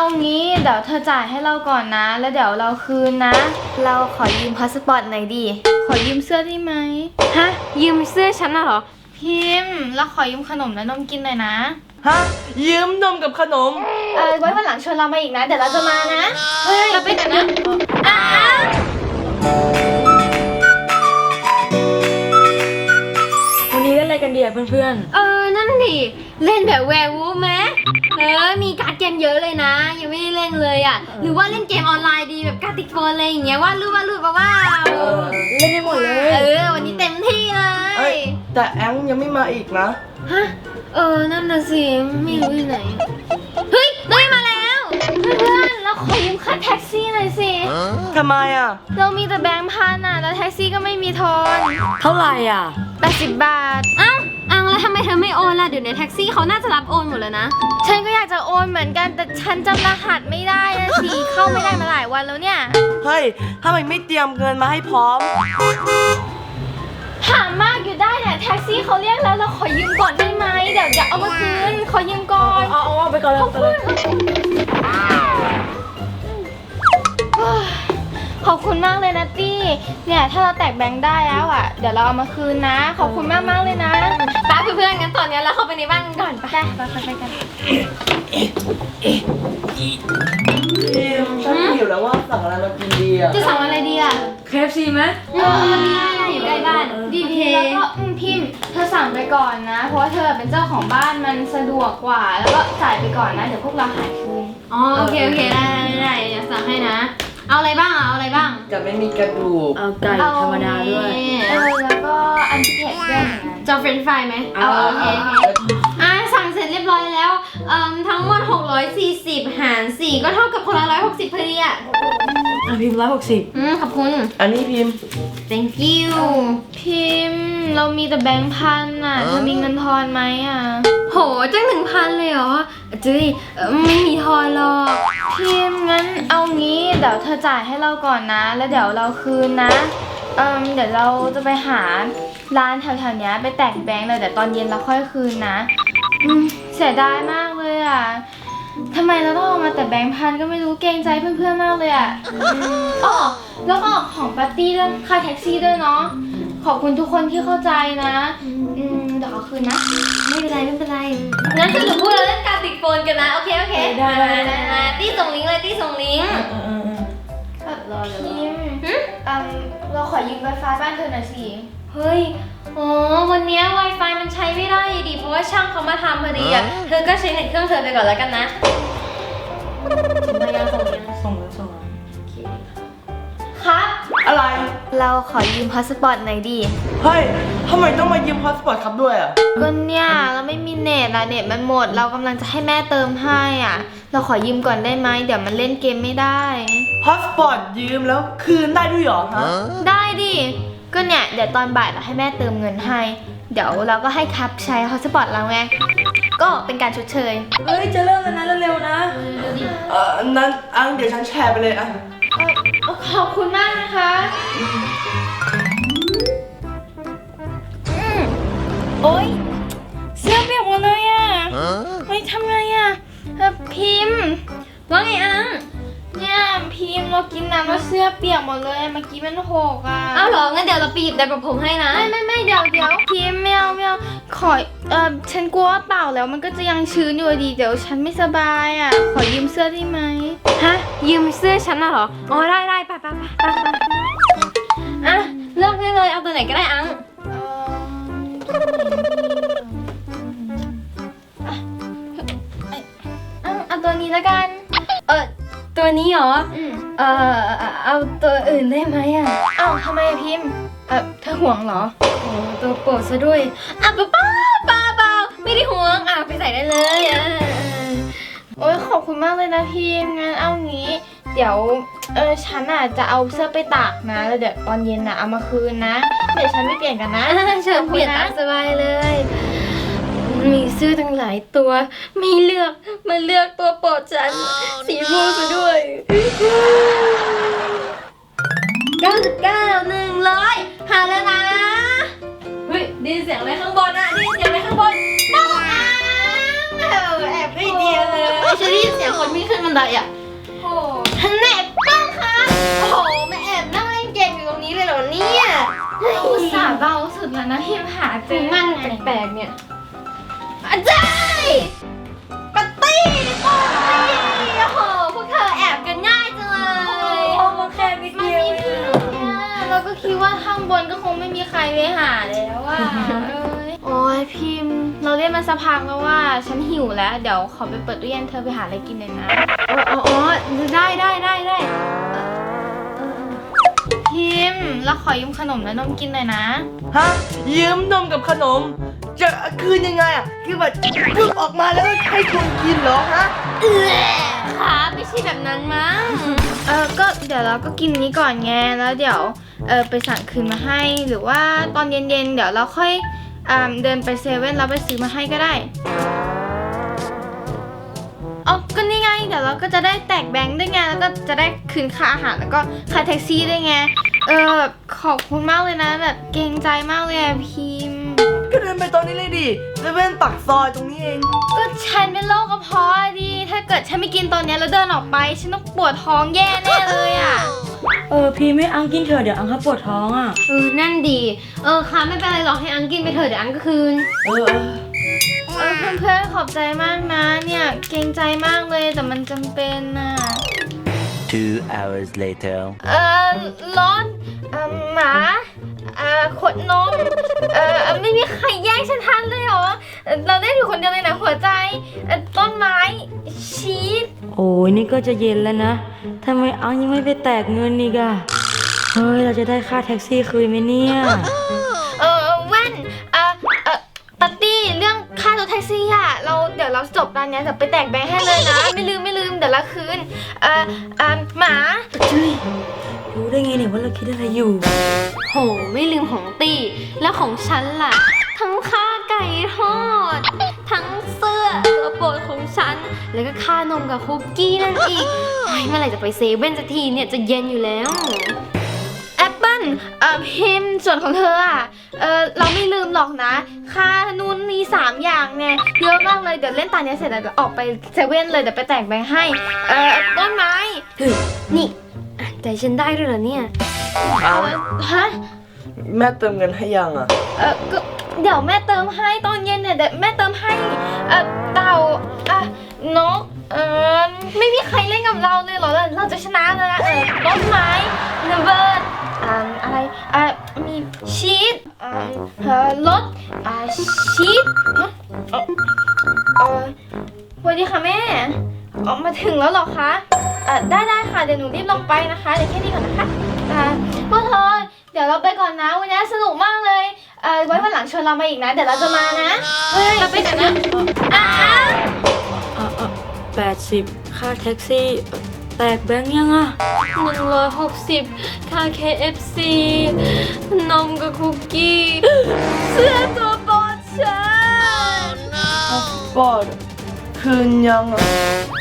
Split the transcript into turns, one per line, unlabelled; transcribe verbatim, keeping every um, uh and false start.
งี้เดี๋ยวเธอจ่ายให้เราก่อนนะแล้วเดี๋ยวเราคืนนะเราขอยืมพาสปอร์ตหน่อยดิขอยืมเสื้อได้ไหมฮะยืมเสื้อฉันน่ะเหรอพิมพ์เราขอยืมขนมและนมกินหน่อยนะ
ฮะยืมนมกับขนม
เออไว้วันหลังชวนเรามาอีกนะเดี๋ยวเราจะมานะเฮ้ยเราไปกันนะอ้า
วันนี้เล่นอะไรกันดีอะเพื่อน
ๆเออนั่นดิเล่นแบบแวร์วูฟไหมเออมีการ์ดเกมเยอะเลยนะยังไม่ได้เล่นเลยอ่ะหรือว่าเล่นเกมออนไลน์ดีแบบการ์ติกโฟนอะไรอย่างเงี้ยวาดรูปวาดรูปมาว่า
เล่นได้หมดเลย
เออวันนี้เต็มที่เลย
แต่แองยังไม่มาอีกนะ
ฮะเออนั่นน่ะสิไม่รู้อยู่ไหนเฮ้ยได้มาแล้ว
เพื่อนเราขอยืมค่าแท็กซี่หน่อยสิ
ทำไมอ่ะ
เรามีแต่แบงค์พันอ่ะแล้วแท็กซี่ก็ไม่มีทอน
เท่าไหร่อ่ะ
แปดสิบบาท
อ้าวอังแล้วทำไมเธอไม่โอนล่ะเดี๋ยวในแท็กซี่เขาน่าจะรับโอนหมดแล้วนะ
ฉันก็อยากจะโอนเหมือนกันแต่ฉันจำรหัสไม่ได้นะสิเข้าไม่ได้มาหลายวันแล้วเนี่ย
เฮ้ยทำไมไม่เตรียมเงินมาให้พร้อม
ถามมากอยู่ได้เนี่ยแท็กซี่เขาเรียกแล้วเราขอยืมก่อนได้ไหมเดี๋ยวจะเอามาคืนขอยืมก่อน
เอาเอาไปก่อนเลย
ขอบคุณมากเลยนะตี้เนี่ยถ้าเราแตกแบงค์ได้แล้วอ่ะเดี๋ยวเราเอามาคืนนะขอบคุณมากมากเลยนะ
ป้าเพื่อนๆงั้นตอนนี้เราเข้าไปในบ้านกันก่อน
ไปไปไปไปกัน
ฉันหิวแล้วว่าสั่งอะไรมากินดีอ่ะ
จะสั่งอะไรดีอ่ะ
เค เอฟ ซี ไหม
เออดีนะอยู่ใกล้บ้าน
ดีดีแล้วก็พิมพ์เธอสั่งไปก่อนนะเพราะว่าเธอเป็นเจ้าของบ้านมันสะดวกกว่าแล้วก็จ่ายไปก่อนนะเดี๋ยวพวกเราหายคืน
อ๋อโอเคโอเคได้ได้เดี๋ยวสั่งให้นะเอาอะไรบ้างอ่ะเอาอะไรบ้าง
จะไม่มีกระดูก
เอาไก่ธรรมดาด้วย
เออแล้วก็อันที่เผ็ดด้วย
จะเฟรนช์ฟรายไหมเอาโอเคอ่ะสั่งเสร็จเรียบร้อยแล้วเอ่อทั้งหมดหกร้อยสี่สิบหารสี่ก็เท่ากับคนละหนึ่งร้อยหกสิบพอดีอ่ะ
อ่ะพิมพ์ร้อยหกสิบ
อืมขอบคุณ
อันนี้พิมพ์
thank you
พิมพ์เรามีแต่แบงค์พันอ่ะเธอมีเงินทอนไหมอ่ะ
โหจังหนึ่งพันเลยเหรอจุ้ยไม่มีทอนหรอก
พิมพ์งั้นเอางี้เดี๋ยวเธอจ่ายให้เราก่อนนะแล้วเดี๋ยวเราคืนนะเออเดี๋ยวเราจะไปหาร้านแถวๆนี้ไปแตกแบงค์เลยเดี๋ยวตอนเย็นเราค่อยคืนนะอืมเสียดายมากเลยอ่ะทำไมเราต้องเอามาแต่แบงค์พันก็ไม่รู้เกรงใจเพื่อนๆมากเลยอ่ะอ๋อแล้วก็ของปาร์ตี้เรื่องค่าแท็กซี่ด้วยเนาะขอบคุณทุกคนที่เข้าใจนะอืมเดี๋ยวเอาคืนนะ
ไม่เป็นไรไม่เป็นไรงั้นสรุปพวกเราเล่นการติดโฟนกันนะโอเคโอเค
ได้ได้
มาตี้ส่งลิงก์เลยตี้ส่งลิงก์
รอเลยพิมเราขอยืมไวไฟบ้านเธอหน่อยสิ
เฮ้ยอ๋อวันนี้ Wi-Fi มันใช้ไม่ได้ดิเพราะว่าช่างเขามาทำพอดีอ่ะเธอก็ใช้เน็ตเครื่องเธอไปก่อนแล้วกันนะส่งมายังส่งยัง
ส่งแล้วส่งแล้ว
ครับ
อะไร
เราขอยืมพาสปอร์ตหน่อยดิ
เฮ้ยทำไมต้องมายืมพาสปอร์ตครับด้วยอ่ะ
ก็เนี่ยเราไม่มีเน็ตอะเน็ตมันหมดเรากำลังจะให้แม่เติมให้อ่ะเราขอยืมก่อนได้ไหมเดี๋ยวมันเล่นเกมไม่ได้
พาสปอร์ตยืมแล้วคืนได้ด้วยหรอฮะ
ได้ดิก็เนี่ยเดี๋ยวตอนบ่ายเราให้แม่เติมเงินให้เดี๋ยวเราก็ให้ครับใช้พาสปอร์ตเราไงก็เป็นการชดเชย
เฮ้ยจะเริ่มแล้วนะเร็วๆนะเออนั้นอังเดี๋ยวฉันแชร์ไปเลยอ่ะ
ขอบคุณมากนะคะโอ๊ยเสื้อเปียกหมดเลยอ่ะเฮ้ยทำไงอ่ะพิมพ์
ว่าไงอัง
เนี่ยพิมพ์เรากินน้ำแล้วเสื้อเปียกหมดเลยเมื่อกี้มันหกอ่ะ
อ้าวเหรองั้นเดี๋ยวเราไปหยิบได้ประผมให้นะ
ไม่ไม่ไม่เดี๋ยวเดี๋ยวพิมพ์ไม่เอาไม่เอาขอเออฉันกลัวว่าเปล่าแล้วมันก็จะยังชื้นอยู่ดีเดี๋ยวฉันไม่สบายอ่ะขอยืมเสื้อได้ไหม
ฮะยืมเสื้อฉันน่ะเหรออ๋อได้ได้ไปไปไปไปอ่ะเลือกได้เลยเอาตัวไหนก็ได้อัง
เอาตัวนี้แล้วกัน
เออตัวนี้เหรอเออเอาตัวอื่นได้ไหมอ่ะ
เอ้าทำไมพิมพ์เออเธอห่วงเหรอ
โอ้ตัวโปรดซะด้วยอ่ะป้าป้าป้าเปล่าไม่ได้ห่วงอ่ะไปใส่ได้เลยอ่ะ
โอ้ยขอบคุณมากเลยนะพิมพ์งั้นเอางี้เดี๋ยวเออฉันอ่ะจะเอาเสื้อไปตากนะแล้วเดี๋ยวตอนเย็นอ่ะเอามาคืนนะเดี๋ยวฉันไม่เปลี่ยนกันนะ
เชิญเปลี่ยนตามสบายเลยมีเสื้อทั้งหลายตัวไม่เลือกมาเลือกตัวโปรดฉันสีม่วงซะด้วยเก้าสิบเก้าหนึ่งร้อยหาแล้วนะเฮ้ยได้ยินเสียงอะไรข้างบนอ่ะได้ยินเสียงอะไรข้างบนป้องอ่ะแอบไม่เดียวเลยฉันได้ยินเสียงคนวิ่งขึ้นมาบันไดอ่ะ
โอ้
ฮันแน่ป้องคะโอ้โหมาแอบนั่งเล่นเกมอยู่ตรงนี้เลยเหรอเนี่ย
อุตส่าห์เบาสุดแล้วนะพิมพ์หาเจ
ถึ
อง
มันแปลกๆเนี่ยอาจารย์ปาร์ตี้ปาร์ตี้โอ้โหพวกเธอแอบกันง่ายจังเลย
โอ้มันแค่นิดเดียวเอง
เราก็คิดว่าข้างบนก็คงไม่มีใครไปหาแล้วว่าโอ้ยพิมพ์ เราเล่นมาสักพักแล้วว่าฉันหิวแล้ว เดี๋ยวขอไปเปิดตู้เย็นเธอไปหาอะไรกินเลยนะ
อ๋ออ๋อได้ได้ได้ได้
พิมพ์เราขอยืมขนมและนมกินหน่อยนะ
ฮะยืมนมกับขนม จะคืนยังไงอ่ะคือแบบปึ๊บออกมาแล้วก็ให้คุณกินเหรอฮะ
เออค่ะไม่ใช่แบบนั้นมั้ง
เออก็เดี๋ยวเราก็กินนี้ก่อนไงแล้วเดี๋ยวเออไปสั่งคืนมาให้ หรือว่าตอนเย็นๆเดี๋ยวเราค่อยอ่าเดินไปเซเว่นแล้วไปซื้อมาให้ก็ได้อ๋อก็นี่ไงเดี๋ยวเราก็จะได้แตกแบงค์ด้วยไงแล้วก็จะได้คืนค่าอาหารแล้วก็ค่าแท็กซี่ด้วยไงเออแบบขอบคุณมากเลยนะแบบเกรงใจมากเลยอะพิมพ์
ก็เดินไปตอนนี้เลยดิเซเว่นปักซอยตรงนี้เอง
ก็ฉันเป็นโรคกระเพาะอะดิถ้าเกิดฉันไม่กินตอนเนี้ยแล้วเดินออกไปฉันต้องปวดท้องแย่แน่เลยอะ
เออพี่ไม่อังกินเถอะเดี๋ยวอังเขาปวดท้องอ่ะ
เออนั่นดีเออค่ะไม่เป็นไรหรอกให้อังกินไปเถอะเดี๋ยวอังก็คืน
เออเออ
เออเพื่อนๆขอบใจมากนะเนี่ยเกรงใจมากเลยแต่มันจำเป็นน่ะ
Two hours later.
เออร้อนเออหมาเออขวดนมเออไม่มีใครแย่งฉันทันเลยเหรอเอ่อเราได้อยู่คนเดียวเลยนะหัวใจเอ่อต้นไม้ชีส
โอ้ยนี่ก็จะเย็นแล้วนะทำไมอังยังไม่ไปแตกเงินอีกอะเฮ้ยเราจะได้ค่าแท็กซี่คืนไหมเนี่ย
เออแว่นเออเออปาร์ตี้เรื่องค่ารถแท็กซี่อะเราเดี๋ยวเราจบตอนเนี้ยเดี๋ยวไปแตกแบงค์ให้เลยนะ ไม่ลืมไม่ลืมเดี๋ยวละคืนเออเออหมา
รู้ได้ไงเนี่ยว่าเราคิดอะไรอยู่
โหไม่ลืมของตีแล้วของฉันล่ะ ทั้งค่าไก่ทอด ทั้งเสื้อตัวโปรดของฉัน แล้วก็ค่านมกับคุกกี้นั่นอีกเฮ้ยเมื่อไหร่จะไปเซเว่นสักทีเนี่ยจะเย็นอยู่แล้ว
แอปเปิ้ลเออพิมพ์ส่วนของเธออะเออเราไม่ลืมหรอกนะ ค่านู่นนี่สามอย่างเนี่ยเยอะมากเลยเดี๋ยวเล่นตาเนี้ยเสร็จแล้วเดี๋ยวออกไปเซเว่นเลยเดี๋ยวไปแตกแบงค์ให้เออต้นไม้
เฮ้ยนี่อ่ะใจฉันได้ด้วยเหรอเนี่ย
เอา
เอ่อฮะ
แม่เติมเงินให้ยังอ่ะ
เออก็เดี๋ยวแม่เติมให้ตอนเย็นเนี่ยเดี๋ยวแม่เติมให้เออเต่าอ่ะนกเออไม่มีใครเล่นกับเราเลยเหรอเราจะชนะเลยนะเออต้นไม้ระเบิดอ่าอะไรอ่ะมีชีสอ่าเออรถอ่าชีสฮะเออเออสวัสดีค่ะแม่ออกมาถึงแล้วเหรอคะเออได้ได้ค่ะเดี๋ยวหนูรีบลงไปนะคะเดี๋ยวแค่นี้ก่อนนะคะอ่าพวกเธอเดี๋ยวเราไปก่อนนะวันนี้สนุกมากเลยเออไว้วันหลังชวนเรามาอีกนะ เดี๋ยวเราจะมานะเฮ้ยเราไปกันนะอ่า
อ่ะอ่ะแปดสิบค่าแท็กซี่ แตกแบงค์ยังอ่ะ
หนึ่งร้อยหกสิบค่า เค เอฟ ซี นมกับคุกกี้ เสื้อตัวโปรดฉัน
ปอดคืนยังอ่ะ